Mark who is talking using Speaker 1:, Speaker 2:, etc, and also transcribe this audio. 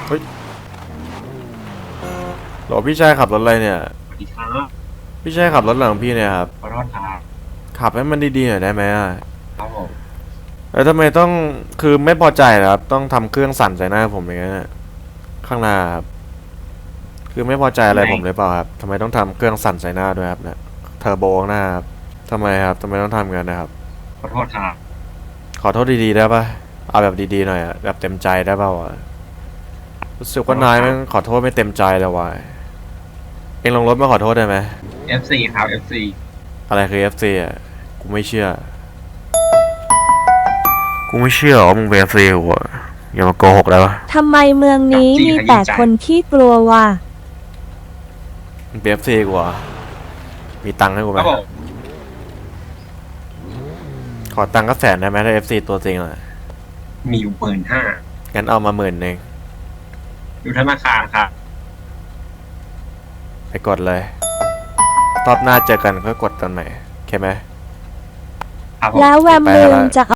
Speaker 1: เฮ้ยหรอพี่ชายขับรถอะไรเนี่ย
Speaker 2: สวัสดีครับ
Speaker 1: พี่ชายขับรถหลังพี่เนี่ยครับ
Speaker 2: ขอโทษครับ
Speaker 1: ขับให้มันดีๆหน่อยได้ไหมอ่ะ
Speaker 2: ครับผม
Speaker 1: แล้วทำไมต้องคือไม่พอใจเหรอครับต้องทำเครื่องสั่นใส่หน้าผมอย่างเงี้ยข้างหน้าครับคือไม่พอใจอะไร
Speaker 2: ไม่
Speaker 1: ผมหรือเปล่าครับทำไมต้องทำเครื่องสั่นใส่หน้าด้วยครับเนี่ยเทอร์โบข้างหน้าครับทำไมครับทำไมต้องทำกันนะครับ
Speaker 2: ขอโทษครับ
Speaker 1: ขอโทษดีๆได้ปะเอาแบบดีๆหน่อยอะแบบเต็มใจได้ป่าวะรู้สึกว่านายมันขอโทษไม่เต็มใจเลยวะเองลงรถมาขอโทษได้ไหม
Speaker 2: FC ครับ FC
Speaker 1: อะไรคือ FC อ่ะกูไม่เชื่อกูไม่เชื่อว่ามึงเป็น FC กูอะอย่ามาโกหกได้ปะ
Speaker 3: ทำไมเมืองนี้มีแต่คนขี้กลัววะ
Speaker 1: มึงเป็น FC กูเหรอมีตังค์ให้กูไหม
Speaker 2: ครับผม
Speaker 1: ขอตังค์ก็แสนได้ไหมถ้า FC ตัวจริงอ่ะ
Speaker 2: มีอยู่15,000
Speaker 1: งั้นเอามา10,000เอง
Speaker 2: อยู่ธนาคารครับ
Speaker 1: ไปกดเลยรอบหน้าเจอกันก็กดตอนไหนโอเคไหม
Speaker 2: ครับผม
Speaker 3: แล้วแวม
Speaker 1: ไป
Speaker 3: มึ
Speaker 1: แล้
Speaker 3: ง
Speaker 1: ว
Speaker 3: จะ